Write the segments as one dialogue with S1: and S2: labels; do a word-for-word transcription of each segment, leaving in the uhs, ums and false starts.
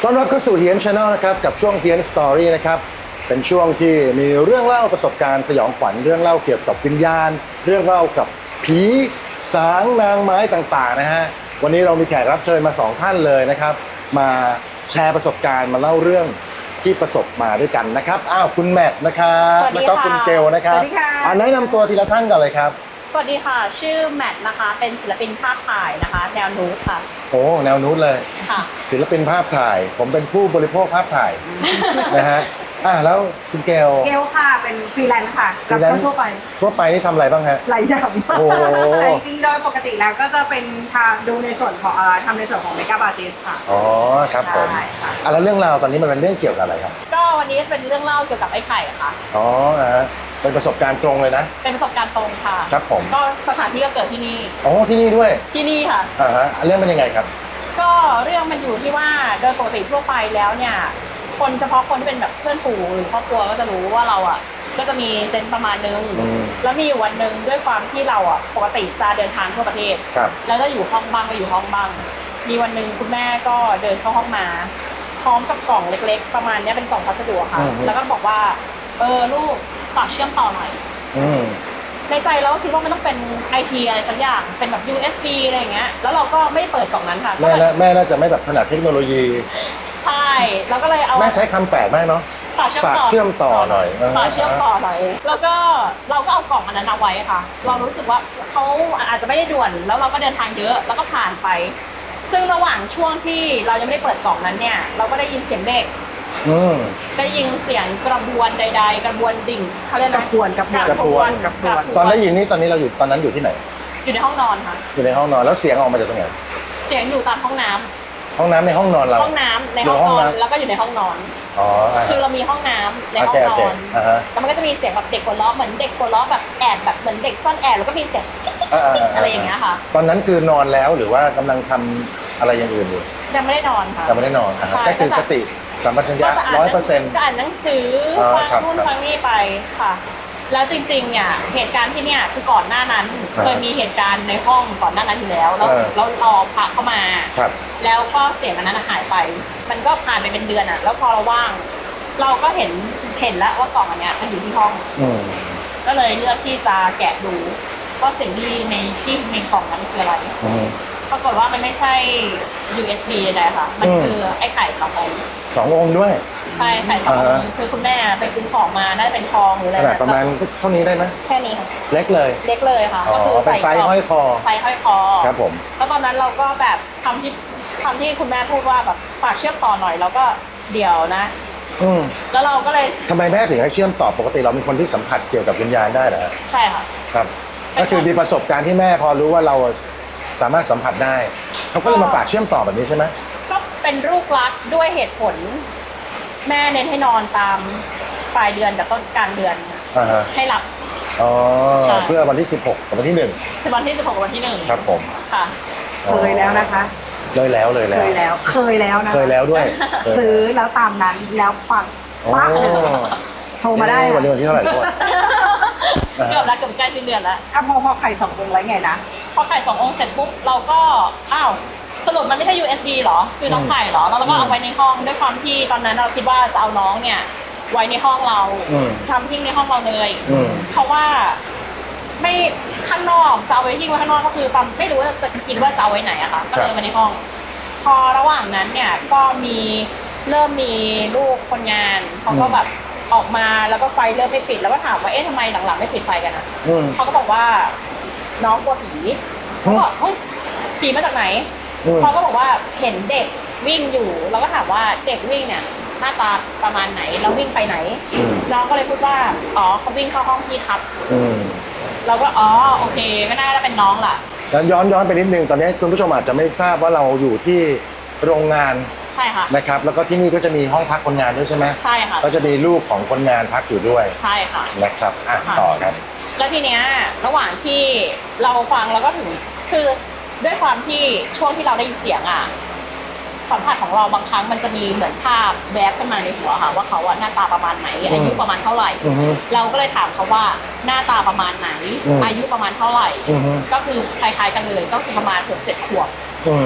S1: ต้อนรับเข้าสู่เฮียน Channel นะครับกับช่วงเฮียนสตอรี่นะครับเป็นช่วงที่มีเรื่องเล่าประสบการณ์สยองขวัญเรื่องเล่าเกี่ยวกับวิญญาณเรื่องเล่ากับผีสางนางไม้ต่างๆนะฮะวันนี้เรามีแขกรับเชิญมาสองท่านเลยนะครับมาแชร์ประสบการณ์มาเล่าเรื่องที่ประสบมาด้วยกันนะครับอ้าวคุณแมทนะครับแล้วก็คุณเกลนะครับ
S2: สวัสดีค่ะ
S1: อ่าแนะนำตัวทีละท่านก่อนเลยครับ
S2: สวัสดีค่ะชื่อแมทนะคะเป็นศิลปินภาพถ่ายนะคะแนวนูดค่ะ
S1: โอ้แนวนู้นเลย
S2: ค่ะ
S1: ศิลปินภาพถ่ายผมเป็นผู้บริโภคภาพถ่ายนะฮะอ่ะแล้วคุณเกล
S3: เกลค่ะเป็นฟรีแลนซ์ค่ะกับทั่วไป
S1: ทั่วไปนี่ทำอะไรบ้างฮะ
S3: หลายอย่าง
S1: โอ้โห
S3: แต่จริงๆโดยปกติแล้วก็จะเป็นทางดูในส่วนของเอ่อทำในส่วนของเมคอัพอาร์ติสค่ะ
S1: อ๋อครับผม
S3: ใช่ค่ะ
S1: อ่ะแล้วเรื่องราวตอนนี้มันเป็นเรื่องเกี่ยวกับอะไรครับ
S2: ก็วันนี้เป็นเรื่องเล่าเกี่ยวกับไอ้ไข่ค่ะ
S1: อ๋ออ่ะฮะเป็นประสบการณ์ตรงเลยนะ
S2: เป็นประสบการณ์ตรงค่ะ
S1: ครับผม
S2: ก็สถานที่ก็เกิดที่นี่
S1: อ๋อที่นี่ด้วย
S2: ที่นี่ค่ะ
S1: อ่าฮะเรื่องเป็นยังไงครับ
S2: ก็เรื่องมันอยู่ที่ว่าโดยปกติทั่วไปแล้วเนี่ยคนเฉพาะคนที่เป็นแบบเพื่อนฝูงหรือครอบครัวก็จะรู้ว่าเราอ่ะก็จะมีเซนส์ประมาณนึง
S1: อืม
S2: แล้วมีอยู่วันหนึ่งด้วยความที่เราอ่ะปกติจะเดินทางทั่วประเทศ
S1: ครับ
S2: แล้วจะอยู่ห้องบ้างก็อยู่ห้องบ้าง มีวันหนึ่งคุณแม่ก็เดินเข้าห้องมา พร้อมกับกล่องเล็กๆ ประมาณนี้เป็นกล่องพัสดุค่ะ แล้วก็บอกว่าเออลูกฝากเชื่อมต่อหน่อย
S1: อืม
S2: ในใจเราก็คิดว่ามันต้องเป็นไอทีอะไรสักอย่างเป็นแบบ ยู เอส บี อะไรอย่างเงี้ยแล้วเราก็ไม่ได้เปิดกล่องนั้นค่ะ
S1: แม่น่าแม่น่าจะไม่แบบถนัดเทคโนโลยี
S2: ใช่เราก็เลยเอา
S1: แม่ใช้คำแปลกมากเนาะ
S2: ฝากเชื่อม
S1: ฝาก
S2: ต่อ
S1: เชื่อมต่อหน่อย
S2: ฝากเชื่อมต่อหน่อยแล้วก็เราก็เอากล่องอันนั้นเอาไว้ค่ะ เรารู้สึกว่าเขาอาจจะไม่ได้ด่วนแล้วเราก็เดินทางเยอะแล้วก็ผ่านไป ซึ่งระหว่างช่วงที่เรายังไม่ได้เปิดกล่องนั้นเนี่ยเราก็ได้ยินเสียงเด็ก
S1: อืม
S2: ได้ยินเสียงกระบวนใด ๆ กระบวนดิ่งเขาเรียก
S3: กระบวนกระบวน
S2: กระบวน
S3: กระบวน
S1: ตอนได้ยินนี่ตอนนี้เราอยู่ตอนนั้นอยู่ที่ไหน
S2: อยู่ในห้องนอนค่ะ
S1: อยู่ในห้องนอนแล้วเสียงออกมาจากตรงไหน
S2: เสียงอยู่ตามห้องน้ำ
S1: ห้องน้ำในห้องนอนเรา
S2: ห้องน้ำในห้อง
S1: หรื
S2: นอน
S1: น้ำ
S2: แล้วก็อยู่ในห้องนอน
S1: อ๋ออ่า
S2: คือเรามีห้องน้ำในห้อง
S1: โอเคน โอ
S2: อ
S1: เคน อ่าฮะ
S2: แล้วมันก็จะมีเสียงแบบเด็กหัวเราะเหมือนเด็กหัวเราะแบบแอบแบบเหมือนเด็กซ่อนแอบแล้วก็มีเสียงจิ๊กจิ๊กจิ๊กอะไรอย่างเงี้ยค่ะ
S1: ตอนนั้นคือนอนแล้วหรือว่ากำลังทำอะไรอย่างอื่นอยู่
S2: ยังไม่ได้นอนค่ะ
S1: ยังไม่ได้นอนอ่ะ
S2: ใช่
S1: ก็คือสติสัมปชัญญะ
S2: ก็จะอ่าน
S1: ร้อย
S2: ห
S1: เป
S2: นั
S1: อร์เซ็นต์
S2: ก็อ่านหนังสือ
S1: อ๋อ
S2: ฟัง
S1: ครับ
S2: นู่น
S1: ครับ
S2: ฟังนี่ไปค่ะ แล้วจริงๆเนี่ยเหตุการณ์ที่เนี่ยคือก่อนหน้านั้น
S1: อ่า
S2: เคยมีเหตุการณ์ในห้องก่อนหน้านั้นอยู่แล้วแล้ว
S1: เออ
S2: แล้วรอพระเข้ามา
S1: ครับ
S2: แล้วก็เสียงอันนั้นหายไป มันก็ผ่านไปเป็นเดือนอ่ะ แล้วพอเราว่าง เราก็เห็นเห็นแล้วว่ากล่องอันเนี้ยมันอยู่ที่ห้อง
S1: อืม
S2: ก็เลยเลือกที่จะแกะดูว่าสิ่งที่ในที่ในกล่องนั้นคืออะไร
S1: อืม
S2: ปรากฏว่ามันไม่ใช่ ยู เอส บี ใดๆค่ะ มัน
S1: อืม
S2: คือไอ้ไข่สององค์
S1: สององค์ด้วย
S2: ใช่ไข่สององ
S1: อ่า
S2: ค์
S1: ฮะ
S2: คือคุณแม่ไปซื้อของมา น่าจะเป็นทองหรืออะไร
S1: ขนาดประมาณเท่านี้ได้ไหม
S2: แค่นี้ค่ะ
S1: เล็กเลย
S2: เล็กเลยค่ะ
S1: อ๋อ
S2: ก็คือ
S1: เป็นไซส์ห้อยคอ
S2: ไซส์ห้อยคอ
S1: ครับผม
S2: แล้วตอนนั้นเราก็แบบทำที่ทำที่คุณแม่พูดว่าแบบฝากเชื่อมต่อหน่อย แล้วก็เดี๋ยวนะ
S1: อืม
S2: แล้วเราก็เลย
S1: ทำไมแม่ถึงให้เชื่อมต่อปกติเราเป็นคนที่สัมผัสเกี่ยวกับวิญญาณได้เหรอ
S2: ใช่ค่ะ
S1: ครับ ก็คือมีประสบการณ์ที่แม่พอรู้ว่าเราสามารถสัมผัสได้เขาก็เลยมาฝากเชื่อมต่อแบบนี้ใช่ไหม
S2: ก็เป็นลูกรักด้วยเหตุผล แม่เน้นให้นอนตามปลายเดือนกับต้นกลางเดือน
S1: อ่าฮะ
S2: ให้หลับ
S1: อ๋อ
S2: ใช่
S1: เพื่อวันที่สิบหกกับวันที่หนึ่ง
S2: คือวันที่สิบหกกับวันที่หนึ่ง
S1: ครับผม
S2: ค่ะ
S3: เคยแล้วนะคะ
S1: เลยแล้วเลย
S3: เค
S1: แล้ว
S3: ยแล้ว เคยแล้วนะ
S1: เคยแล้วด้วย
S3: ซื้อแล้วตามนั้นแล้วปังปังเลยโทรมาได้
S1: เอ๊ะวัน
S3: ค่ะ
S1: นี้วันที่เท่าไหร่ด้วย อ่าฮะ
S2: เกือบแล้วเกือบใกล้สิ้นเดือนแล้ว
S3: อ่ะพอพอไข่สององค์แล้วไงนะ
S2: พอไข่สององค์เสร็จปุ๊บเราก็อ้าวสรุปมันไม่ใช่ ยู เอส บี หรอคือน้องไข่หรอแล้วเราก็เอาไว้ในห้องด้วยความที่ตอนนั้นเราคิดว่าจะเอาน้องเนี่ย ไว้ในห้องเรา
S1: อืม
S2: ทำทิ้งในห้องเราเลย
S1: อืม
S2: เพราะว่าไม่ข้างนอกจะเอาไว้ทิ้งไว้ข้างนอกก็คือตอนไม่รู้ว่าจะคิดว่าจะเอาไว้ไหนอะค่ะก็เลยไว้ในห้อง พอระหว่างนั้นเนี่ยก็มีเริ่มมีลูกคนงานเขาก็แบบออกมาแล้วก็ไฟเริ่มไม่ปิดแล้วก็ถามว่าเอ๊ะทำไมหลังๆไม่ปิดไฟกันอะ
S1: อืม
S2: เขาก็บอกว่าน้องกลัวผีเขาบอกเฮ้ยผีมาจากไหน
S1: อืม
S2: เขาก็บอกว่าเห็นเด็กวิ่งอยู่เราก็ถามว่าเด็กวิ่งเนี่ยหน้าตาประมาณไหนแล้ววิ่งไปไหน
S1: อืม
S2: น้องก็เลยพูดว่าอ๋อเขาวิ่งเข้าห้องพี่ครับ
S1: อืม
S2: เราก็อ๋อโอเคก็น่าจะเป็นน้องล่ะ
S1: แล้วย้อนย้อนไปนิดนึงตอนนี้คุณผู้ชมอาจจะไม่ทราบว่าเราอยู่ที่โรงงาน
S2: ใช่ค่ะ
S1: นะครับ แล้วก็ที่นี่ก็จะมีห้องพักคนงานด้วยใช่ไหม
S2: ใช่ค่ะ
S1: ก็จะมีลูกของคนงานพักอยู่ด้วย
S2: ใช่ค่ะ
S1: นะครับอ่ะ
S2: ค่ะ
S1: ต่อครับ
S2: แล้วทีเนี้ยระหว่างที่เราฟังแล้วก็ถึงคือด้วยความที่ช่วงที่เราได้ยินเสียงอ่ะสัมผัสของเราบางครั้งมันจะมีเหมือนภาพแวบขึ้นมาในหัวค่ะ ว่าเขาอะหน้าตาประมาณไหนอายุประมาณเท่าไหร่
S1: อือฮึ
S2: เราก็เลยถามเขาว่าหน้าตาประมาณไหน
S1: อืม
S2: อายุประมาณเท่าไหร่
S1: อือฮึ
S2: ก็คือคล้ายๆกันเลยก็คือประมาณหกเจ็ดขวบ
S1: อืม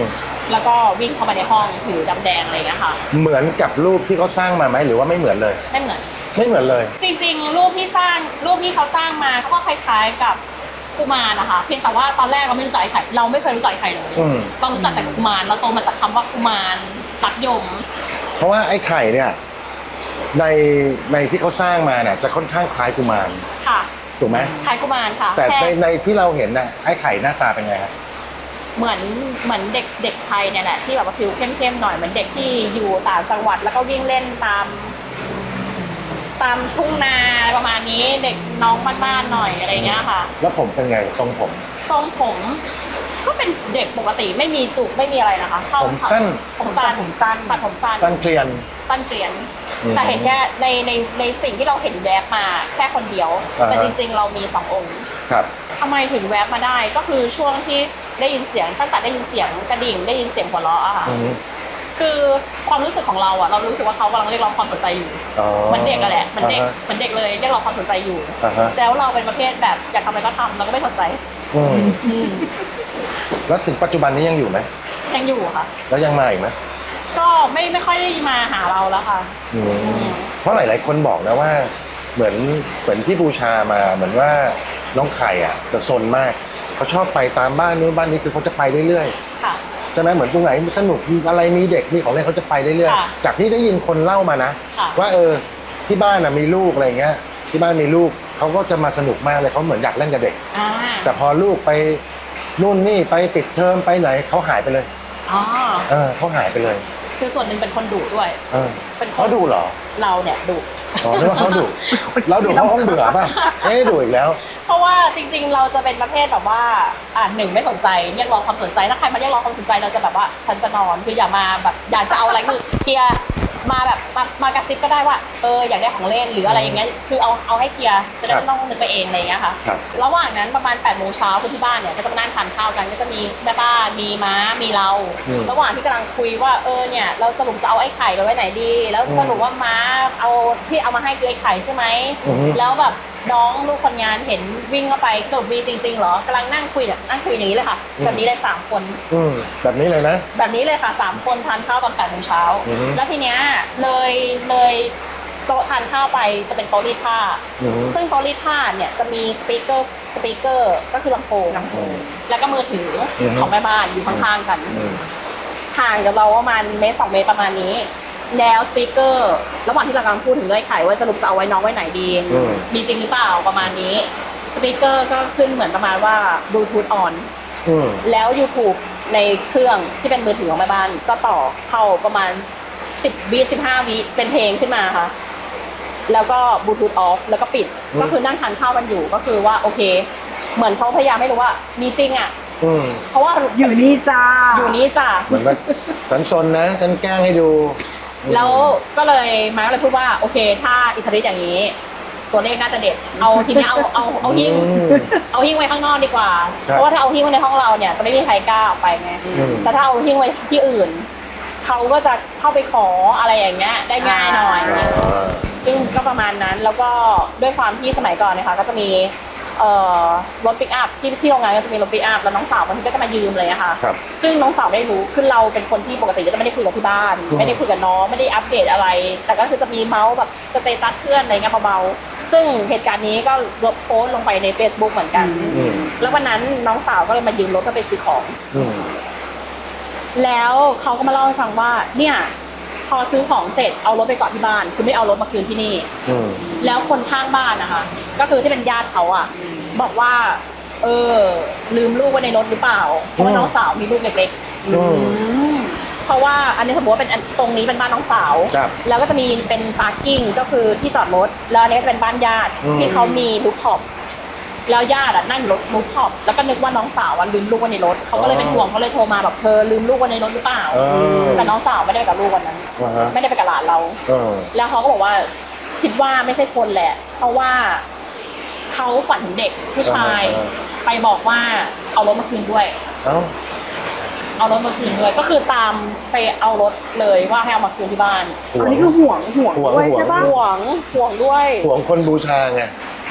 S2: แล้วก็วิ่งเข้ามาในห้องถือดำแดงอะไรอย่างเงี้ยค่ะ
S1: เหมือนกับรูปที่เขาสร้างมาไหมหรือว่าไม่เหมือนเลย
S2: ไม่เหมือน
S1: ไม่เหมือนเลย
S2: จริงๆ รูปที่สร้างรูปที่เขาสร้างมาเขาก็คล้ายๆกับกุมารนะคะเพียงแต่ว่าตอนแรกเราไม่รู้จักไอ้ไข่เราไม่เคยรู้จักไอ้ไข่เลย
S1: อืม
S2: เรารู้จักแต่กุมารเราโตมาจากคำว่ากุมารรักยม
S1: เพราะว่าไอ้ไข่เนี่ยในในที่เขาสร้างมาเนี่ยจะค่อนข้างคล้ายกุมาร
S2: ค่ะ
S1: ถูกไหม
S2: คล้ายกุมารค่ะ
S1: แต่
S2: ค่
S1: ในในที่เราเห็นน่ะไอ้ไข่หน้าตาเป็นไงครับ
S2: เหมือนเหมือนเด็กเด็กไทยเนี่ยแหละที่แบบว่าผิวเข้มๆหน่อยเหมือนเด็กที่อยู่ต่างจังหวัดแล้วก็วิ่งเล่นตาม ตามทุ่งนาประมาณนี้เด็กน้องบ้านๆหน่อยอะไรเงี้ยค่ะ
S1: แล้วผมเป็นไงทรงผม
S2: ทรงผมก็เป็นเด็กปกติไม่มีจุกไม่มีอะไรนะคะเข้า
S1: ผมสั้น
S2: ผมสั้น
S3: ผมสั้น
S2: ตัดผมสั้น
S1: ตั้นเกลียน
S2: สั้นเกลียน
S1: อืม
S2: แต่เห็นแค่ในในในสิ่งที่เราเห็นแวบมาแค่คนเดียว
S1: อ่าฮะ
S2: แต่จริง ๆ เรามีสององค์
S1: ครับ
S2: ทำไมถึงแวบมาได้ก็คือช่วงที่ได้ยินเสียงตั้งแต่ได้ยินเสียงกระดิ่งได้ยินเสียงหัวเราะอะค่ะ
S1: อืม
S2: คือความรู้สึกของเราอะเรารู้สึกว่าเขากำลังเรียกร้องความสนใจอยู่
S1: อ๋อ
S2: เหมันเด็กอะแหละเหมันเด็ก
S1: อ่าฮะ
S2: เหมันเด็กเลยเรียกร้องความสนใจอยู่
S1: อ่าฮะ
S2: แล้วเราเป็นประเภทแบบอยากทำอะไรก็ทำเราก็ไม่สนใจ
S1: อืม
S2: อืม
S1: แล้วถึงปัจจุบันนี้ยังอยู่ไหม
S2: ยังอยู่ค่ะ
S1: แล้วยังมาอีกไหม
S2: ก็ไม่ไม่ค่อยได้มาหาเราแล้วค่ะ
S1: อืม
S2: อืม
S1: เพราะหลาย ๆ คนบอกนะว่า เหมือนเหมือนที่บูชามาเหมือนว่าน้องไข่อ่ะจะซนมากเขาชอบไปตามบ้านนู้นบ้านนี้คือเขาจะไปเรื่อย
S2: ค่ะ
S1: ๆใช่ไหมเหมือนตรงไหนสนุกมีอะไรมีเด็กมีของเล่นเขาจะไปเรื่อย
S2: ค่ะ
S1: ๆจากที่ได้ยินคนเล่ามานะ
S2: ค่ะ
S1: ว่าเออที่บ้านอ่ะมีลูกอะไรเงี้ยที่บ้านมีลูกเขาก็จะมาสนุกมากเลยเขาเหมือนอยากเล่นกับเด็ก
S2: อ่า
S1: แต่พอลูกไปนู่นนี่ไปปิดเทอมไปไหนเขาหายไปเลย
S2: อ๋อ
S1: เออเขาหายไปเลย
S2: คือส่วนหนึ่งเป็นคนดุด้วย
S1: เออ
S2: เป็นคน
S1: เขาดูเหรอ
S2: เราเนี่ยดุ
S1: อ๋อนึกว่าเขาดุเราดุเขาคงเบื่อป่ะเอ๊ะดุอีกแล้ว
S2: เพราะว่าจริงๆ เราจะเป็นประเภทแบบว่าอ่าหนึ่งไม่สนใจเรียกร้องความสนใจถ้าใครมาเรียกร้องความสนใจเราจะแบบว่าฉันจะนอนคืออย่ามาแบบอยากจะเอาอะไรคือเคลียร์มาแบบมามากระซิบก็ได้ว่าเอออยากได้ของเล่นหรืออะไรอย่างเงี้ยคือเอาเอาให้เคลียร์จะได้ไม่ต้องนึกไปเองอะไรอย่างเงี้ยค่ะ
S1: ครับ
S2: ระหว่างนั้นประมาณแปดโมงเช้าคุณที่บ้านเนี่ยก็จะมานั่งทานข้าวกันก็จะมีแม่บ้านมีม้ามีเรา
S1: อืม
S2: ระหว่างที่กำลังคุยว่าเออเนี่ยเราสรุปจะเอาไอ้ไข่ไปไว้ไหนดี แล้ว
S1: อืม
S2: สรุปว่าม้าเอาที่เอามาให้คือไอ้ไข่ใช่ไหม
S1: อือฮึ
S2: แล้วแบบน้องลูกคนงานเห็นวิ่งเข้าไปสรุปมีจริงๆเหรอกำลังนั่งคุยเนี่ยนั่งคุยอย่างนี้เลยค่ะแบบนี้เลยสามคน
S1: อืมแบบนี้เลยนะ
S2: แบบนี้เลยค่ะสามคนทานข้าวตอนแปดโมงเช้า
S1: อือฮึ
S2: แล้วทีเนี้ยเลยเลยโต๊ะทานข้าวไปจะเป็นโต๊ะรีดผ้า
S1: อืม
S2: ซึ่งโต๊ะรีดผ้าเนี่ยจะมีสปีกเกอร์สปีกเกอร์ก็คือลำโพง
S3: ลำโพง
S2: แล้วก็มือถืออ
S1: อฮึ
S2: ของแม่บ้านอยู่ข้างๆกัน
S1: อืม
S2: ห่างจากเราประมาณเมตรสองเมตรประมาณนี้ แล้วสปีกเกอร์ระหว่างที่เรากำลังพูดถึงเรื่องไข่ว่าสรุปจะเอาไว้น้องไว้ไหนดี
S1: อืม
S2: มีจริงหรือเปล่าประมาณนี้สปีกเกอร์ก็ขึ้นเหมือนประมาณว่าบลูทูธออน
S1: อืม
S2: แล้ว YouTube ในเครื่องที่เป็นมือถือของแม่บ้านก็ต่อเข้าประมาณสิบวิสิบห้าวิเป็นเพลงขึ้นมาค่ะ แล้วก็บลูทูธออฟแล้วก็ปิด
S1: อืม
S2: ก็คือนั่งทานข้าวกันอยู่ก็คือว่าโอเค เหมือนเขาพยายามให้รู้ว่ามีจริงอ่ะ
S1: อืม
S2: เพราะว่า
S3: อยู่นี่จ้า
S2: อยู่นี้จ้ะ
S1: เหมือนว่าฉันซนนะฉันแกล้งให้ดูอืม
S2: แล้วก็เลยมาก็เลยพูดว่าโอเค ถ้าอิทธิฤทธิ์อย่างนี้ ตัวเลขน่าจะเด็ด เอาทีนี้เอาเอาเอาหิ้ง
S1: อืม
S2: เอาหิ้งไว้ข้างนอกดีกว่า
S1: ครับ
S2: เพราะว่าถ้าเอาหิ้งไว้ในห้องเราเนี่ยจะไม่มีใครกล้าออกไปไง
S1: อืม
S2: แต่ถ้าเอาหิ้งไว้ที่อื่นเขาก็จะเข้าไปขออะไรอย่างเงี้ยได้ง่ายหน่อย
S1: อ่า
S2: ซึ่งก็ประมาณนั้นแล้วก็ด้วยความที่สมัยก่อนนะคะก็จะมีเอ่อรถปิกอัพที่ที่โรงงานก็จะมีรถปิกอัพแล้วน้องสาวบางทีก็จะมายืมเลยอะค่ะ
S1: ครับ
S2: ซึ่งน้องสาวได้รู้คือเราเป็นคนที่ปกติก็จะไม่ได้คุยกับที่บ้าน
S1: อืม
S2: ไม่ได้คุยกับน้องไม่ได้อัปเดตอะไร แต่ก็คือจะมีเมาส์แบบสเตตัสเพื่อนอะไรเงี้ยเบาๆซึ่งเหตุการณ์นี้ก็ลบโพสต์ลงไปใน Facebook เหมือนกัน
S1: อืม
S2: แล้ววันนั้นน้องสาวก็เลยมายืมรถเพื่อไปซื้อของ
S1: อืม
S2: แล้วเขาก็มาเล่าให้ฟังว่าเนี่ยพอซื้อของเสร็จเอารถไปเกาะที่บ้านคือไม่เอารถมาคืนที่นี่
S1: อืม
S2: แล้วคนข้างบ้านนะคะก็คือที่เป็นญาติเขาอ่ะบอกว่า เออ ลืมลูกไว้ในรถหรือเปล่าเพราะว่าน้องสาวมีลูกเล็ก
S1: อืม
S2: ๆเพราะว่าอันนี้สมมติว่าเป็นอันตรงนี้เป็นบ้านน้องสาว
S1: ครับ
S2: แล้วก็จะมีเป็นพาร์กิ้งก็คือที่จอดรถแล้วอันนี้ก็จะเป็นบ้านญาติ
S1: อืม
S2: ที่เขามีลูกท็อปแล้วญาติอะนั่งอยู่รถลูกท็อปแล้วก็นึกว่าน้องสาวอะลืมลูกไว้ในรถเขาก็เลยเป็นห่วงเขาเลยโทรมาแบบเธอลืมลูกไว้ในรถหรือเปล่า
S1: เออ
S2: แต่น้องสาวไม่ได้ไปกับลูกวันนั้น
S1: อ่าฮะ
S2: ไม่ได้ไปกับหลานเรา
S1: เออ
S2: แล้วเขาก็บอกว่าคิดว่าไม่ใช่คนแหละ เพราะว่าเขาฝันถึงเด็กผู้ชาย
S1: อ่า
S2: ไปบอกว่าเอารถมาคืนด้วย
S1: เอ้า
S2: เอารถมาคืนด้วย ก็คือตามไปเอารถเลยว่าให้เอามาคืนที่บ้าน
S1: ห่ว
S3: อัน
S1: ง
S3: นี้คือห่วงห่วง
S1: ห่วง
S3: ด้วย
S1: ห่วง
S3: ใช่ปะ
S2: ห่วงห่วงด้วย
S1: ห่วงคนบูชาไง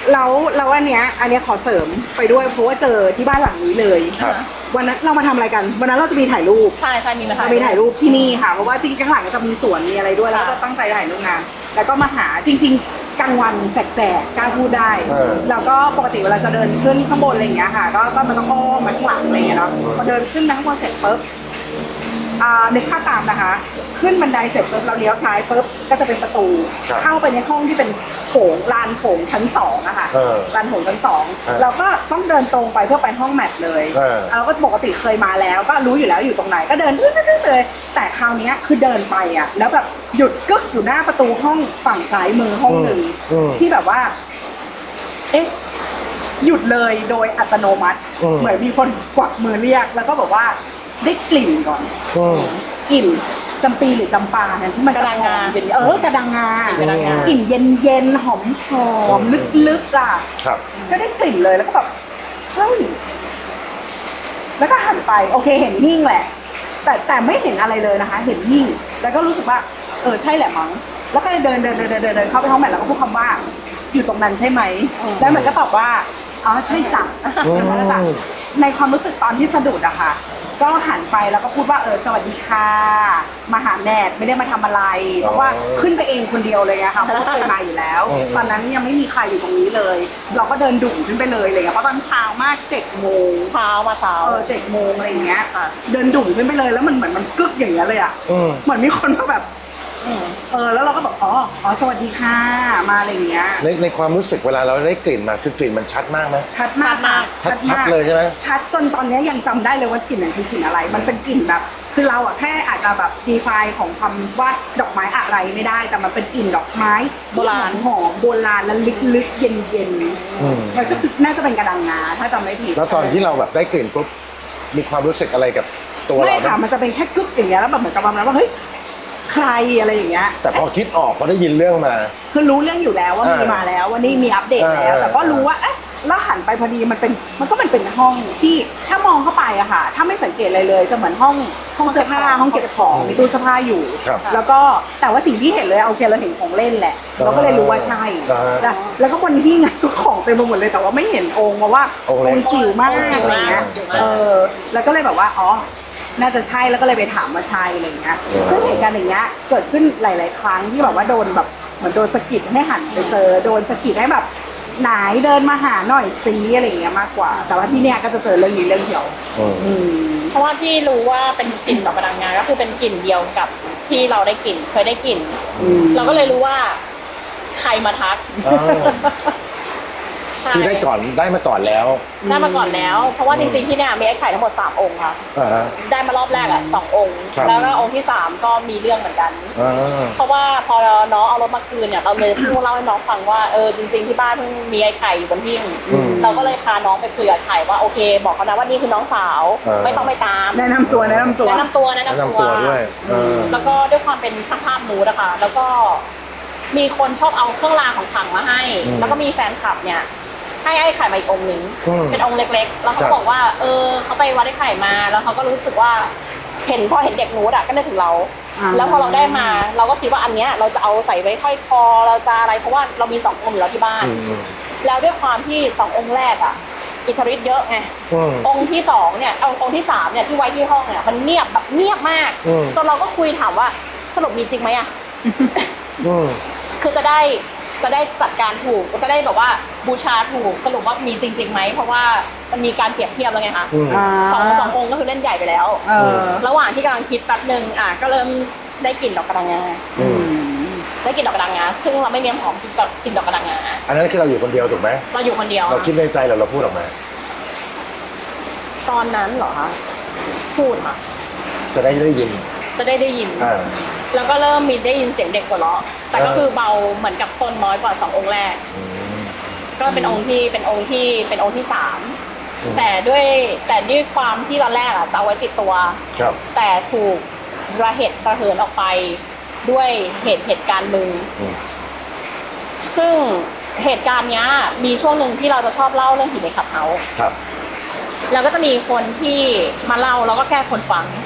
S3: แล้วแล้วอันเนี้ยอันเนี้ยขอเสริมไปด้วยเพราะว่าเจอที่บ้านหลังนี้เลย
S1: ครับ
S3: วันนั้นเรามาทำอะไรกันวันนั้นเราจะมีถ่ายรูป
S2: ใช่ใช่มีมาถ่าย
S3: เรามีถ่ายรูปที่นี่ค่ะเพราะว่าจริงๆข้างหลังจะมีสวนมีอะไรด้วยแล้วก็จะตั้งใจถ่ายรูปงานแล้วก็มาหาจริง ๆกลางวันแสกๆกล้าพูดได้
S1: เออ
S3: แล้วก็ปกติเวลาจะเดินขึ้นข้างบนอะไรอย่างเงี้ยค่ะก็ก็มันต้องอ้อมมาข้างหลังอะไรอย่างเงี้ยเนาะพอเดินขึ้นไปข้างบนเสร็จปุ๊บอ่านึกภาพตามนะคะ ขึ้นบันไดเสร็จปุ๊บเราเลี้ยวซ้ายปุ๊บก็จะเป็นประตู
S1: ครับ
S3: เข้าไปในห้องที่เป็นโถงลานโถงชั้นสองอะค่ะ
S1: เออ
S3: ลานโถงชั้นสอง
S1: เออ
S3: เราก็ต้องเดินตรงไปเพื่อไปห้องแมทเลย
S1: เออ
S3: เราก็ปกติเคยมาแล้วก็รู้อยู่แล้วอยู่ตรงไหนก็เดินไปเลย แต่คราวเนี้ยคือเดินไปอะแล้วแบบหยุดกึกอยู่หน้าประตูห้องฝั่งซ้ายมือห้องหนึ่ง
S1: อืม
S3: ที่แบบว่า เอ๊ะหยุดเลยโดยอัตโนมัติ
S1: อืม
S3: เหมือนมีคนกวักมือเรียก แล้วก็บอกว่าได้กลิ่นก่อน
S1: อืม
S3: กลิ่นจำปีหรือจำปาเนี่ยที่มันจะหอมเย็นเออกระดังงาก
S2: ระดังงา
S3: กลิ่นเย็นเย็นๆหอมหอมลึกๆอ่ะ
S1: ครับ
S3: ก็ได้กลิ่นเลยแล้วก็แบบเฮ้ยแล้วก็หันไปโอเคเห็นหิ้งแหละ แต่แต่ไม่เห็นอะไรเลยนะคะ เห็นหิ้งแล้วก็รู้สึกว่า เออใช่แหละมั้งแล้วก็เลยเดินเดินเดินเดินเดินเดินเข้าไปห้องแมทแล้วก็พูดคำว่า อยู่ตรงนั้นใช่ไหมแล้วมันก็ตอบว่าอ๋อใช่จ้ะ
S1: อืม
S3: แล้วก็จ้ะในความรู้สึกตอนที่สะดุดอะค่ะ ก็หันไปแล้วก็พูดว่าเออสวัสดีค่ะมาหาแมทไม่ได้มาทำอะไร เพราะว่าขึ้นไปเองคนเดียวเลยอะค่ะเพราะว่าเคยมาอยู่แล้ว
S1: อืม
S3: ตอนนั้นยังไม่มีใครอยู่ตรงนี้เลย เราก็เดินดุ่มขึ้นไปเลยอะไรเลยเพราะตอนเช้ามากเจ็ดโมง
S2: เช้ามาเช้า
S3: เออเจ็ดโมงอะไรอย่างเงี้ย
S2: ค่ะ
S3: เดินดุ่มขึ้นไปเลยแล้วมันเหมือนมันกึกอย่างเงี้ยเลยอะ
S1: อืม
S3: เหมือนมีคนมาแบบ
S2: อืม
S3: เออแล้วเราก็บอกอ๋ออ๋อสวัสดีค่ะมาอะไรอย่างเงี้ย
S1: ในในความรู้สึกเวลาเราได้กลิ่นมาคือกลิ่นมันชัดมากไหม
S3: ชัดมาก
S2: ชัดมาก
S1: ชัดชัดเลยใช่ไหม
S3: ชัดจนตอนเนี้ยยังจำได้เลยว่ากลิ่นนั้นคือกลิ่นอะไร มันเป็นกลิ่นแบบ คือเราอะแค่อาจจะแบบดีไฟของคำว่าดอกไม้อะไรไม่ได้ แต่มันเป็นกลิ่นดอกไม้
S2: โบราณ
S3: หอมๆโบราณและลึกๆเย็น
S1: อืม
S3: ๆมันก็คือน่าจะเป็นกระดังงาถ้าจำไม่ผิด
S1: แล้วตอนที่เราแบบได้กลิ่นปุ๊บมีความรู้สึกอะไรกับตัว
S3: ไม่
S1: เราไหม
S3: ค่ะมันจะเป็นแค่กึกอย่างเงี้ยแล้วแบบเหมือนกับประมาณว่าเฮ้ยใครอะไรอย่างเงี้ย
S1: แต่พอคิดออกพอได้ยินเรื่องมา
S3: คือรู้เรื่องอยู่แล้วว่ามี
S1: เออ
S3: มาแล้วว่านี่มีอัปเดตแล้ว
S1: เออ
S3: แต่ก็รู้ว่าเอ๊ะแล้วหันไปพอดีมันเป็นมันก็มันเป็นห้องที่ถ้ามองเข้าไปอะค่ะ ถ้าไม่สังเกตอะไรเลยจะเหมือนห้องห้องเสื้อผ้าห้องเก็บของมีตู้เสื้อผ้าอยู่
S1: ครับ
S3: แล้วก็แต่ว่าสิ่งที่เห็นเลยโอเคเราเห็นของเล่นแหละ เราก็เลยรู้ว่าใช่
S1: อ่า
S3: แล้วแล้วก็บนที่งานก็ของเต็มไปหมดเลยแต่ว่าไม่เห็นองค์เพราะว่า
S1: องค์เล็ก
S3: จิ๋วมาก
S2: องค์จิ๋ว
S3: อะไรเงี้ย
S2: มากจิ๋วมาก
S3: เออแล้วก็เลยแบบว่าอ๋อน่าจะใช่แล้วก็เลยไปถามว่าใช่อะไรเงี้ย
S1: อืม
S3: ซึ่งเหตุการณ์อย่างเงี้ยเกิดขึ้นหลาย ๆ ครั้งที่แบบว่าโดนแบบเหมือนโดนสะกิดให้หันไปเจอโดนสะกิดให้แบบไหนเดินมาหาหน่อยซีอะไรอย่างเงี้ยมากกว่า แต่ว่าที่เนี้ยก็จะเจอเรื่องนี้เรื่องเดียว
S1: อืม
S3: อืม
S2: เพราะว่าที่รู้ว่าเป็นกลิ่นดอกกระดังงาก็คือเป็นกลิ่นเดียวกับที่เราได้กลิ่นเคยได้กลิ่น
S3: อืม
S2: เราก็เลยรู้ว่าใครมาทัก
S1: อ่า
S2: ใช่
S1: คือได้ก่อนได้มาก่อนแล้ว
S2: ได้มาก่อนแล้ว เพราะว่าจริงๆที่เนี่ยมีไอ้ไข่ทั้งหมดสามองค์ค่ะ
S1: อ่าฮะ
S2: ได้มารอบแรกอ่ะสององค์
S1: ครับ
S2: แล้วก็องค์ที่สามก็มีเรื่องเหมือนกัน
S1: อ่า
S2: เพราะว่าพอน้องเอารถมาคืนเนี่ยเราเลยเพิ่งเล่าให้น้องฟังว่าเออจริงๆที่บ้านเพิ่งมีไอ้ไข่อยู่บนหิ้ง
S1: อืม
S2: เราก็เลยพาน้องไปคุยกับไข่ว่าโอเค บอกเขานะว่านี่คือน้องสาว
S1: เออ
S2: ไม่ต้องไปตาม
S3: แนะนำตัวแนะนำตัว
S2: แนะนำตัวแนะ
S1: แนะ
S2: นำ
S1: นำตัวด้วยเออ
S2: แล้วก็ด้วยความเป็นช่างภาพมูดอะค่ะแล้วก็มีคนชอบเอาเครื่องรางของขลังมาให้
S1: อืม
S2: แล้วก็มีแฟนคลับเนี่ยให้ไอ้ไข่มาอีกองค์หนึ่ง
S1: อืม
S2: เป็นองค์เล็ก ๆ แล้วเขา
S1: ครับ
S2: บอกว่า เออเขาไปวัดไอ้ไข่มา แล้วเขาก็รู้สึกว่า เห็นพอเห็นเด็กนูดอะก็นึกถึงเรา
S3: อ่า
S2: แล้วพอเราได้มา เราก็คิดว่าอันเนี้ยเราจะเอาใส่ไว้ห้อยคอเราจะอะไรเพราะว่าเรามีสององค์อยู่แล้วที่บ้าน
S1: อืมอืม
S2: แล้วด้วยความที่สององค์แรกอะอิทธิฤทธิ์เยอะไง
S1: อืม
S2: องค์ที่สองเนี่ยเอาองค์ที่สามเนี่ยที่ไว้ที่ห้องเนี่ยมันเงียบแบบเงียบมาก
S1: อืม
S2: จนเราก็คุยถามว่าสรุปมีจริงไหมอะ
S1: อืม
S2: คือจะได้จะได้จัดการถูกจะได้แบบว่าบูชาถูกสรุปว่ามีจริงๆไหมเพราะว่ามันมีการเปรียบเทียบแล้วไงคะ
S1: อืม
S2: สองสององค์ก็คือเล่นใหญ่ไปแล้ว
S3: เออ
S2: ระหว่างที่กำลังคิดแป๊บหนึ่งอ่ะก็เริ่มได้กลิ่นดอกกระดังงา
S1: อืม
S2: ได้กลิ่นดอกกระดังงาซึ่งเราไม่เลี้ยงหอมกินกับกลิ่นดอกกระดังงา
S1: อันนั้นคือเราอยู่คนเดียวถูกไหม
S2: เราอยู่คนเดียว
S1: เราคิดในใจแล้วเราพูดออกมา
S2: ตอนนั้นเหรอคะพูดค่ะ
S1: จะได้ได้ยิน
S2: จะได้ได้ยิน
S1: อ่า
S2: แล้วก็เริ่มมีได้ยินเสียงเด็กหัวเราะแต่ก็คือเบาเหมือนกับโซนน้อยกว่าสององค์แรก
S1: อืม
S2: ก็เป็นองค์ที่เป็นองค์ที่เป็นองค์ที่สาม
S1: อืม
S2: แต่ด้วยแต่ด้วยความที่ตอนแรกอ่ะจะเอาไว้ติดตัว
S1: ครับ
S2: แต่ถูกระเหตุระเหินออกไปด้วยเหตุเหตุการณ์หนึ่ง
S1: อืม
S2: ซึ่งเหตุการณ์เนี้ยมีช่วงหนึ่งที่เราจะชอบเล่าเรื่องผีในขับเฮาส์
S1: ครับ
S2: แล้วก็จะมีคนที่มาเล่าแล้วก็แก้คนฟัง
S1: อ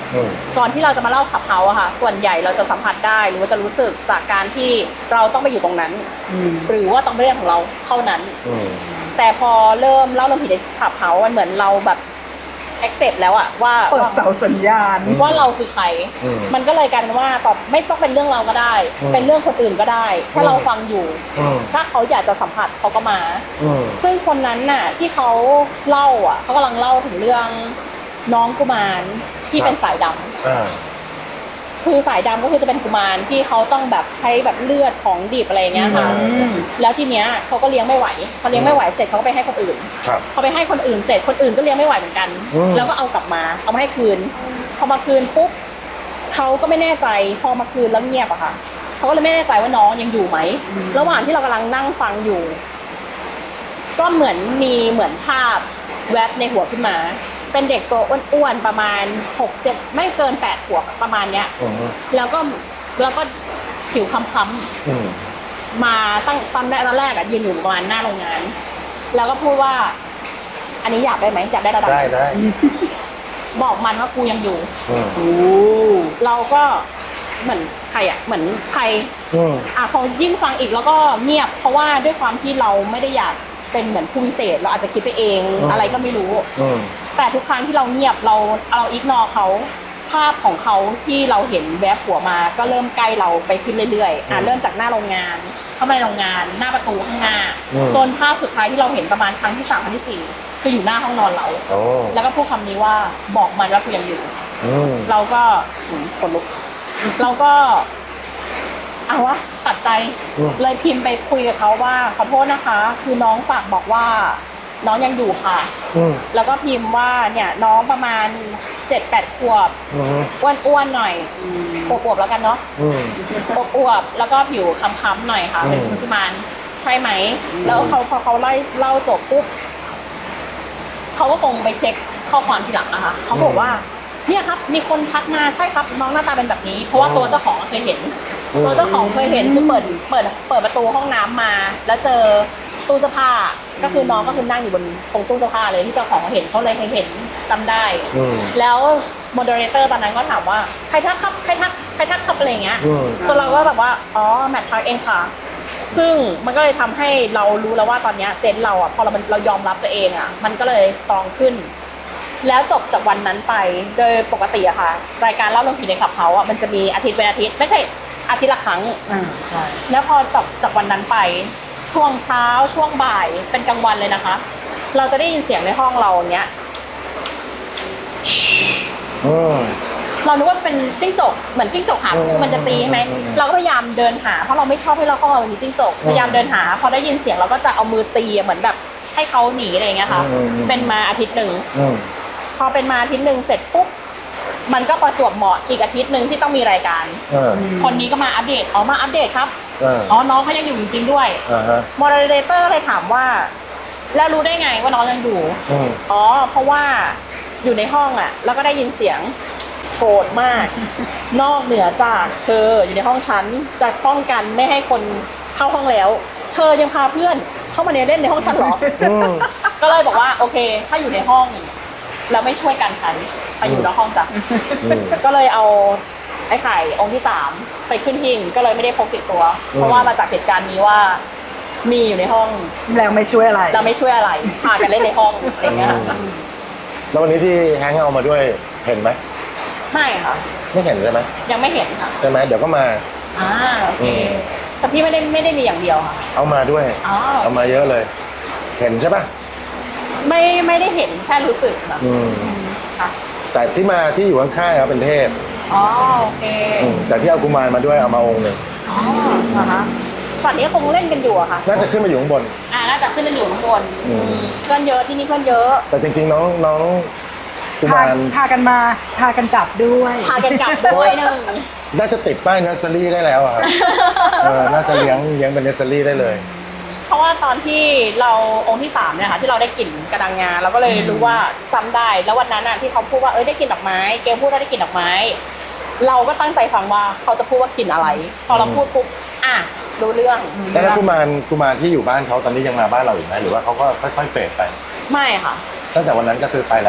S1: อืม
S2: ก่อนที่เราจะมาเล่าขับเฮาอะค่ะ ส่วนใหญ่เราจะสัมผัสได้หรือว่าจะรู้สึกจากการที่เราต้องไปอยู่ตรงนั้น
S3: อืม
S2: หรือว่าต้องเป็นเรื่องของเราเท่านั้น
S1: อืม
S2: แต่พอเริ่มเล่าเรื่องผีในขับเฮามันเหมือนเราแบบ accept แล้วอะว่า
S3: เปิดเสาสัญญาณ
S2: ว่าเราคือใคร
S1: อืม
S2: มันก็เลยกลายเป็นว่าตอบไม่ต้องเป็นเรื่องเราก็ได้
S1: อืม
S2: เป็นเรื่องคนอื่นก็ได้ ถ้า
S1: อืม
S2: เราฟังอยู่
S1: อืม
S2: ถ้าเขาอยากจะสัมผัสเขาก็มา
S1: อืม
S2: ซึ่งคนนั้นน่ะที่เขาเล่าอ่ะเขากำลังเล่าถึงเรื่องน้องกุมารที่เป็นสายดำ
S1: อ่า
S2: คือสายดำก็คือจะเป็นกุมารที่เขาต้องแบบใช้แบบเลือดของดิบอะไรอย่างเงี้ยค่ะ
S3: อืม
S2: แล้วทีเนี้ยเขาก็เลี้ยงไม่ไหวพอเลี้ยงไม่ไหวเสร็จเขาก็ไปให้คนอื่น
S1: ครับ
S2: เขาไปให้คนอื่นเสร็จคนอื่นก็เลี้ยงไม่ไหวเหมือนกัน
S1: อืม
S2: แล้วก็เอากลับมาเอามาให้คืนพอมาคืนปุ๊บเขาก็ไม่แน่ใจพอมาคืนแล้วเงียบอะค่ะเขาก็เลยไม่แน่ใจว่าน้องยังอยู่ไหมระหว่างที่เรากำลังนั่งฟังอยู่ ก็เหมือนมีเหมือนภาพแวบในหัวขึ้นมา เป็นเด็กตัวอ้วนๆประมาณหกเจ็ดไม่เกินแปดขวบประมาณเนี้ย
S1: อืม
S2: แล้วก็แล้วก็ผิวค้ำ
S1: อืม
S2: ๆมาตั้งตอนแรกตอนแรกอะยืนอยู่ประมาณหน้าโรงงาน แล้วก็พูดว่า อันนี้อยากได้ไหมอยากได้ระดับ
S1: ได้ได้
S2: บอกมันว่ากูยังอยู่
S1: อืม
S3: โอ้
S2: เราก็เหมือนใครอะเหมือนใคร
S1: อืม
S2: อ่ะพอยิ่งฟังอีกแล้วก็เงียบ เพราะว่าด้วยความที่เราไม่ได้อยากเป็นเหมือนผู้พิเศษ เราอาจจะคิดไปเอง
S1: อืม
S2: อะไรก็ไม่รู้
S1: อืม
S2: แต่ทุกครั้งที่เราเงียบเราเราอิกนอเขาภาพของเขาที่เราเห็นแวบหัวมา ก็เริ่มใกล้เราไปขึ้นเรื่อยๆอ่ะ
S1: อืม
S2: เริ่มจากหน้าโรงงาน เข้ามาในโรงงานหน้าประตูข้างหน้า
S1: อืม
S2: จนภาพสุดท้ายที่เราเห็นประมาณครั้งที่สามครั้งที่สี่คืออยู่หน้าห้องนอนเรา
S1: โอ้
S2: แล้วก็พูดคำนี้ว่าบอกมันว่ากูยังอยู่
S1: อืม
S2: เราก็อืมขนลุก เราก็เอาวะตัดใจ
S1: อืม
S2: เลยพิมพ์ไปคุยกับเขาว่าขอโทษนะคะ คือน้องฝากบอกว่า น้องยังอยู่ค่ะ
S1: อืม
S2: แล้วก็พิมพ์ว่าเนี่ยน้องประมาณเจ็ดแปดขวบ
S1: อืม
S2: อ้วนๆหน่อยอวบๆแล้วกันเนาะ
S1: อืม
S2: อวบๆแล้วก็ผิวค้ำๆหน่อยค่ะ
S1: อืม
S2: เป็นคุณพิมานใช่ไหม แล้วเขาพอเขาไล่เล่าจบปุ๊บเขาก็คงไปเช็คข้อความทีหลังนะคะเขาบอกว่า เนี่ยครับ มีคนทักมาใช่ครับ น้องหน้าตาเป็นแบบนี้ เพราะว่าตัวเจ้าของเคยเห็น
S1: อืม
S2: ตัวเจ้าของเคยเห็นคือเปิดเปิดเปิดประตูห้องน้ำมา แล้วเจอตู้เสื้อผ้า ก็คือน้องก็คือนั่งอยู่บนตรงตู้เสื้อผ้าเลยที่เจ้าของเห็นเขาเลยเห็นจำได้
S1: อืม
S2: แล้วโมเดเลเตอร์ตอนนั้นก็ถามว่าใครทักครับใครทักใครทักครับอะไรอย่างเงี้ย
S1: อืม
S2: จนเราก็แบบว่าอ๋อแมททักเองค่ะ ซึ่งมันก็เลยทำให้เรารู้แล้วว่าตอนเนี้ยเซนส์เราอ่ะพอเรามันเรายอมรับตัวเองอ่ะ มันก็เลยสตรองขึ้น แล้วจบจากวันนั้นไปโดยปกติอะค่ะ รายการเล่าเรื่องผีในขับเฮาอะมันจะมีอาทิตย์เป็นอาทิตย์ไม่ใช่อาทิตย์ละครั้ง
S3: อ่าใช่
S2: แล้วพอจบจากวันนั้นไป ช่วงเช้าช่วงบ่ายเป็นกลางวันเลยนะคะ เราจะได้ยินเสียงในห้องเราเนี้ย
S1: อืม
S2: เรานึกว่าเป็นจิ้งจกเหมือนจิ้งจกหา
S1: อืม
S2: คือมันจะตีใช่ไหม
S1: อืมอืม
S2: เราก็พยายามเดินหาเพราะเราไม่ชอบให้เราห้องเรามีจิ้งจก
S1: อืม
S2: พยายามเดินหาพอได้ยินเสียงเราก็จะเอามือตีอะเหมือนแบบให้เขาหนีอะไรอย่างเงี้ยค่ะ
S1: อืมอืม
S2: เป็นมาอาทิตย์หนึ่ง
S1: อืม
S2: พอเป็นมาอาทิตย์หนึ่งเสร็จปุ๊บมันก็ประจวบเหมาะอีกอาทิตย์หนึ่งที่ต้องมีรายการ
S1: เออ
S2: คนนี้ก็มาอัปเดตอ๋อมาอัปเดตครับ
S1: เออ
S2: อ๋อน้องเขายังอยู่จริงๆด้วย
S1: อ่าฮะ
S2: โมเดเลเตอร์เลยถามว่า แล้วรู้ได้ไงว่าน้องยังอยู่
S1: อืม
S2: อ๋อ เพราะว่าอยู่ในห้องอ่ะ แล้วก็ได้ยินเสียงโกรธมาก นอกเหนือจากเธออยู่ในห้องฉันจะป้องกันไม่ให้คนเข้าห้องแล้ว เธอยังพาเพื่อนเข้ามาในเล่นในห้องฉันเหรอ
S1: อืม
S2: ก็เลยบอกว่าโอเค ถ้าอยู่ในห้องแล้วไม่ช่วยกันฉันไปอยู่นอกห้องจ้ะ
S1: อืม
S2: ก็เลยเอาไอ้ไข่องค์ที่สามไปขึ้นหิ้งก็เลยไม่ได้พกติดตัว
S1: อืม
S2: เพราะว่ามาจากเหตุการณ์นี้ว่ามีอยู่ในห้อง
S3: แล้วไม่ช่วยอะไร
S2: เราไม่ช่วยอะไรพากันเล่นในห้องอะไรเงี้ย
S1: แล้ววันนี้ที่แฮงค์เอามาด้วยเห็นไหม
S2: ไม่ค่ะ
S1: ไม่เห็นใช่ไหม
S2: ยังไม่เห็นค่ะ
S1: ใช่ไหมเดี๋ยวก็มา
S2: อ่าโอเค
S1: อืม
S2: แต่พี่ไม่ได้ไม่ได้มีอย่างเดียวค่ะ
S1: เอามาด้วย
S2: อ๋อ
S1: เอามาเยอะเลย เห็นใช่ปะ
S2: ไม่ไม่ได้เห็นแค่รู้สึกแบบ
S1: อืม
S2: อืมค่ะ
S1: แต่ที่มาที่อยู่ข้างๆครับเป็นเทพ
S2: อ๋อโอเค
S1: อืมแต่ที่เอากุมารมาด้วยเอามาองค์หนึ่ง
S2: อ๋อนะคะฝั่งนี้คงเล่นกันอยู่อะค่ะ
S1: น่าจะขึ้นมาอยู่ข้างบน
S2: อ่าน่าจะขึ้นกันอยู่ข้างบน
S1: อืม
S2: อืมเพื่อนเยอะที่นี่เพื่อนเยอะ
S1: แต่จริงๆน้องน้องกุ
S3: พาม
S1: าร
S3: พากันมา พากันกลับด้วย
S2: พากันกลับด้วยหนึ่ง
S1: น่าจะติดป้ายเนสเซอรี่ได้แล้วอะครับเออน่าจะเลี้ยงเลี้ยงเป็นเนสเซอรี่ได้เลย
S2: เพราะว่าตอนที่เราองค์ที่สามเนี่ยค่ะที่เราได้กลิ่นกระดังงาเราก็เลยรู้ว่าจำได้แล้ววันนั้นอ่ะที่เขาพูดว่าเอ้ยได้กลิ่นดอกไม้เกลพูดว่าได้กลิ่นดอกไม้ เราก็ตั้งใจฟังว่าเขาจะพูดว่ากลิ่นอะไร พอเราพูดปุ๊บอ่ะรู้เรื่อง
S1: แล้วกุมารกุมารที่อยู่บ้านเขาตอนนี้ยังมาบ้านเราอยู่ไหมหรือว่าเขาก็ค่อยๆเฟดไป
S2: ไม่ค่ะ
S1: ตั้งแต่วันนั้นก็คือไปแล้ว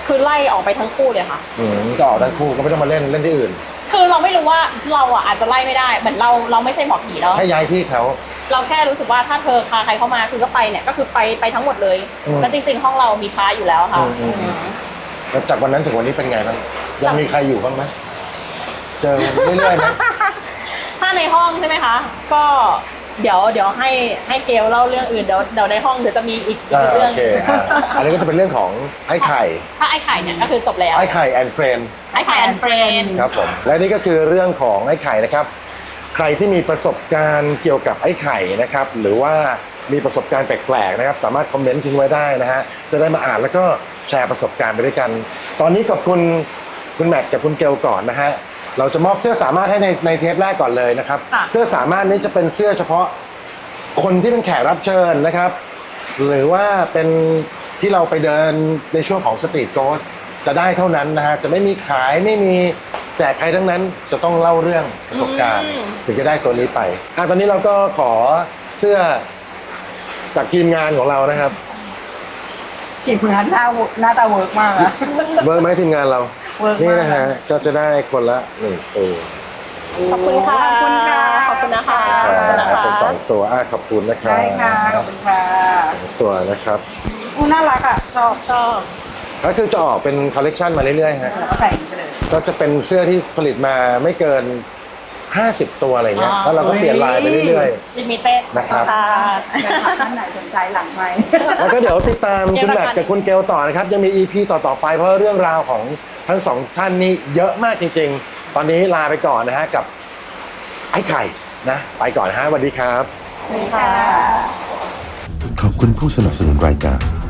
S2: คือไล่ออกไปทั้งคู่เลยค่ะ
S1: อืมก็ออกทั้งคู่ก็ไม่ต้องมาเล่นเล่นที่อื่น
S2: คือเราไม่รู้ว่าเราอ่ะอาจจะไล่ไม่ได้เหมือนเราเราไม่ใช่หมอผีเนาะ
S1: ให้ย้ายที่เขา
S2: เราแค่รู้สึกว่าถ้าเธอพาใครเข้ามาคือก็ไปเนี่ยก็คือไปไปทั้งหมดเลย
S1: อืม
S2: แล้วจริงๆห้องเรามีพระอยู่แล้วค่ะ
S1: อืมอืม
S2: อืม
S1: แล้วจากวันนั้นถึงวันนี้เป็นไงบ้างยังมีใครอยู่บ้างไหมเจอเรื่อยๆไหม
S2: ถ้าในห้องใช่ไหมคะ ก็เดี๋ยวเดี๋ยวให้ให้เกลเล่าเรื่องอื่นเดี๋ยวเดี๋ยวในห้องเดี๋ยวจะมีอีกอี
S1: อ่าก
S2: เรื่
S1: โอ
S2: อง
S1: เคอ่าอันนี้ก็จะเป็นเรื่องของไอ้ไข่
S2: ถ้าไอ้ไข่เนี่ยก็คือจบแล้ว
S1: ไอ้ไข่แอนเฟรน
S2: ไอ้ไข่แอนเฟรน
S1: ครับผมและนี่ก็คือเรื่องของไอ้ไข่นะครับ ใครที่มีประสบการณ์เกี่ยวกับไอ้ไข่นะครับ หรือว่ามีประสบการณ์แปลกๆนะครับ สามารถคอมเมนต์ทิ้งไว้ได้นะฮะจะได้มาอ่านแล้วก็แชร์ประสบการณ์ไปด้วยกัน ตอนนี้ขอบคุณคุณแมทกับคุณเกลก่อนนะฮะเราจะมอบเสื้อสามารถให้ในในเทปแรกก่อนเลยนะครับ เสื้อสามารถนี้จะเป็นเสื้อเฉพาะคนที่เป็นแขกรับเชิญนะครับ หรือว่าเป็นที่เราไปเดินในช่วงของสตรีทโกสจะได้เท่านั้นนะฮะจะไม่มีขายไม่มีแจกใครทั้งนั้นจะต้องเล่าเรื่องประสบการณ์ ถึงจะได้ตัวนี้ไปอ่ะตอนนี้เราก็ขอเสื้อจากทีมงานของเรานะครับ
S3: ทีมงานหน้าหน้าตาเวิร์กมากอะ
S1: เวิร์กไหมทีมงานเรา
S3: เวิร์กมาก
S1: นี่นะฮะก็จะได้คนละหนึ่งตัว
S2: ขอบคุณค่ะ
S3: ขอบคุณค่ะ
S2: ขอบคุณนะคะ
S1: อ่า
S2: ขอบคุณนะคะ
S1: เป็นสองตัวอ่ะขอบคุณนะครับ
S3: ได้ค่ะ ขอบคุณค่ะ
S1: สองตัวนะครับ
S3: อู้น่ารักอ่ะ ชอบ
S2: ชอบ
S1: ก็คือจะออกเป็นคอลเลกชันมาเรื่อยๆฮะ
S3: แล้วก็ใส่อย่างนี้ไปเลย
S1: ก็จะเป็นเสื้อที่ผลิตมาไม่เกินห้าสิบตัวอะไรเงี้ยแล้วเราก็เปลี่ยนลายไปเรื่อย
S2: ลิมิเต็ด
S1: นะครับ
S2: ค่ะ
S3: แฟนคลับท่านไหนสนใจหลังไหมค์
S1: ๆ แล้วก็เดี๋ยวติดตามคุณแมทกับคุณเกลต่อนะครับ ยังมี อี พี ต่อๆไปเพราะเรื่องราวของทั้งสองท่านนี้เยอะมากจริงๆ ตอนนี้ลาไปก่อนนะฮะกับไอ้ไข่นะไปก่อนนะฮะสวัสดีครับ
S3: ค่ะ
S4: ขอบคุณผู้สนับสนุนรายการ